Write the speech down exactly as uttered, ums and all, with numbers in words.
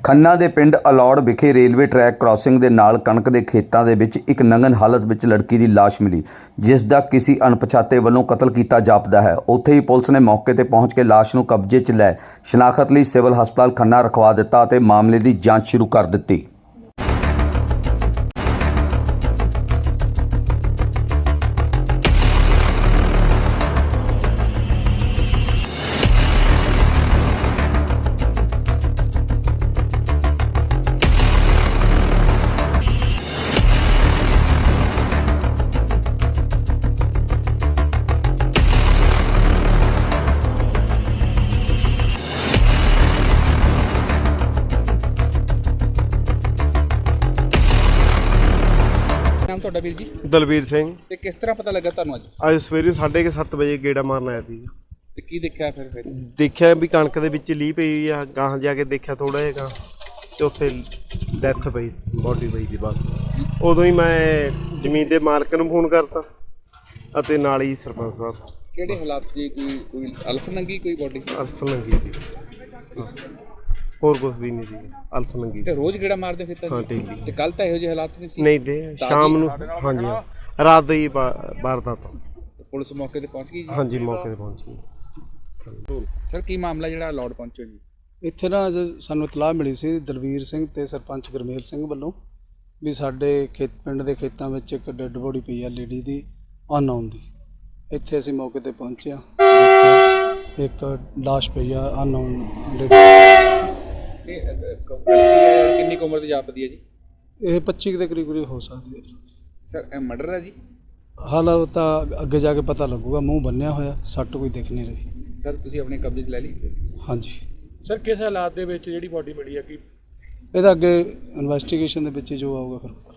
ਖੰਨਾ ਦੇ ਪਿੰਡ ਅਲੌੜ ਵਿਖੇ ਰੇਲਵੇ ਟਰੈਕ ਕ੍ਰਾਸਿੰਗ ਦੇ ਨਾਲ ਕਣਕ ਦੇ ਖੇਤਾਂ ਦੇ ਵਿੱਚ ਇੱਕ ਨੰਗਨ ਹਾਲਤ ਵਿੱਚ ਲੜਕੀ ਦੀ ਲਾਸ਼ ਮਿਲੀ, ਜਿਸ ਦਾ ਕਿਸੇ ਅਣਪਛਾਤੇ ਵੱਲੋਂ ਕਤਲ ਕੀਤਾ ਜਾਪਦਾ ਹੈ। ਉੱਥੇ ਹੀ ਪੁਲਿਸ ਨੇ ਮੌਕੇ ਤੇ ਪਹੁੰਚ ਕੇ ਲਾਸ਼ ਨੂੰ ਕਬਜ਼ੇ 'ਚ ਲੈ ਸ਼ਨਾਖਤ ਲਈ ਸਿਵਲ ਹਸਪਤਾਲ ਖੰਨਾ ਰਖਵਾ ਦਿੱਤਾ ਅਤੇ ਮਾਮਲੇ ਦੀ ਜਾਂਚ ਸ਼ੁਰੂ ਕਰ ਦਿੱਤੀ। ਨਾਮ ਤੁਹਾਡਾ ਵੀਰ ਜੀ? ਦਲਵੀਰ ਸਿੰਘ। ਤੇ ਕਿਸ ਤਰ੍ਹਾਂ ਪਤਾ ਲੱਗਾ ਤੁਹਾਨੂੰ ਅੱਜ? ਅੱਜ ਸਵੇਰੇ ਸਾਢੇ ਕੁ ਸੱਤ ਵਜੇ ਗੇੜਾ ਮਾਰਨ ਆਇਆ ਸੀ। ਤੇ ਕੀ ਦੇਖਿਆ ਫਿਰ ਫਿਰ ਦੇਖਿਆ ਵੀ ਕਣਕ ਦੇ ਵਿੱਚ ਲੀਹ ਪਈ ਆ, ਗਾਹਾਂ ਜਾ ਕੇ ਦੇਖਿਆ ਥੋੜਾ ਜਿਹਾ ਤੇ ਉੱਥੇ ਡੈਥ ਪਈ, ਬੋਡੀ ਪਈ ਦੀ। ਬਸ ਉਦੋਂ ਹੀ ਮੈਂ ਜ਼ਮੀਨ ਦੇ ਮਾਲਕ ਨੂੰ ਫੋਨ ਕਰਤਾ ਅਤੇ ਨਾਲ ਹੀ ਸਰਪੰਚ ਸਾਹਿਬ। ਕਿਹੜੇ ਹਾਲਾਤ ਸੀ? ਕੋਈ ਕੋਈ ਅਲਫ ਨੰਗੀ ਕੋਈ ਬੋਡੀ? ਅਲਫ ਨੰਗੀ ਸੀ, ਹੋਰ ਕੁਝ ਵੀ ਨਹੀਂ ਸੀ, ਅਲਫ ਨੰਗੀ ਤੇ ਸੀ। ਰੋਜ਼ ਗੇੜਾ ਮਾਰਦੇ ਫਿਰ ਤਾਂ? ਹਾਂ ਡੇਲੀ। ਤੇ ਕੱਲ ਤਾਂ ਇਹੋ ਜਿਹੇ ਹਾਲਾਤ ਨਹੀਂ ਸੀ? ਨਹੀਂ ਤੇ ਸ਼ਾਮ ਨੂੰ, ਹਾਂਜੀ ਹਾਂ, ਰਾਤ ਦੀ ਵਾਰਦਾਤ। ਪੁਲਿਸ ਮੌਕੇ ਤੇ ਪਹੁੰਚ ਗਈ ਜੀ? ਹਾਂਜੀ ਮੌਕੇ ਤੇ ਪਹੁੰਚੀ। ਸਰ ਕੀ ਮਾਮਲਾ ਜਿਹੜਾ ਅਲੌੜ ਪਹੁੰਚੋ ਜੀ? ਇੱਥੇ ਨਾ ਅੱਜ ਸਾਨੂੰ ਇਤਲਾਹ ਮਿਲੀ ਸੀ ਦਲਵੀਰ ਸਿੰਘ ਤੇ ਸਰਪੰਚ ਗੁਰਮੇਲ ਸਿੰਘ ਵੱਲੋਂ ਵੀ ਸਾਡੇ ਖੇਤ ਪਿੰਡ ਦੇ ਖੇਤਾਂ ਵਿੱਚ ਇੱਕ ਡੈੱਡ ਬੋਡੀ ਪਈ ਆ ਲੇਡੀ ਦੀ, ਅਨਨੋਨ ਦੀ। ਇੱਥੇ ਅਸੀਂ ਮੌਕੇ ਤੇ ਪਹੁੰਚੇ ਆ, ਇੱਕ ਲਾਸ਼ ਪਈ ਆ ਅਨਨੋਨ ਲੇਡੀ। ਇਹ ਕਿੰਨੀ ਕੁ ਉਮਰ ਦੀ ਜਾਪਦੀ ਹੈ ਜੀ? ਇਹ ਪੱਚੀ ਦੇ ਕਰੀਬ ਕਰੀਬ ਹੋ ਸਕਦੀ ਹੈ ਸਰ ਇਹ ਮਰਡਰ ਹੈ ਜੀ? ਹਾਲ ਤਾਂ ਅੱਗੇ ਜਾ ਕੇ ਪਤਾ ਲੱਗੂਗਾ। ਮੂੰਹ ਬੰਨਿਆ ਹੋਇਆ, ਸੱਟ ਕੋਈ ਦਿਖ ਨਹੀਂ ਰਹੀ। ਸਰ ਤੁਸੀਂ ਆਪਣੇ ਕਬਜ਼ੇ 'ਚ ਲੈ ਲਈ? ਹਾਂਜੀ ਸਰ ਕਿਸ ਹਾਲਾਤ ਦੇ ਵਿੱਚ ਜਿਹੜੀ ਬੋਡੀ ਮਿਲੀ ਹੈ? ਕਿ ਇਹਦਾ ਅੱਗੇ ਇਨਵੈਸਟੀਗੇਸ਼ਨ ਦੇ ਵਿੱਚ ਜੋ ਆਊਗਾ ਫਿਰ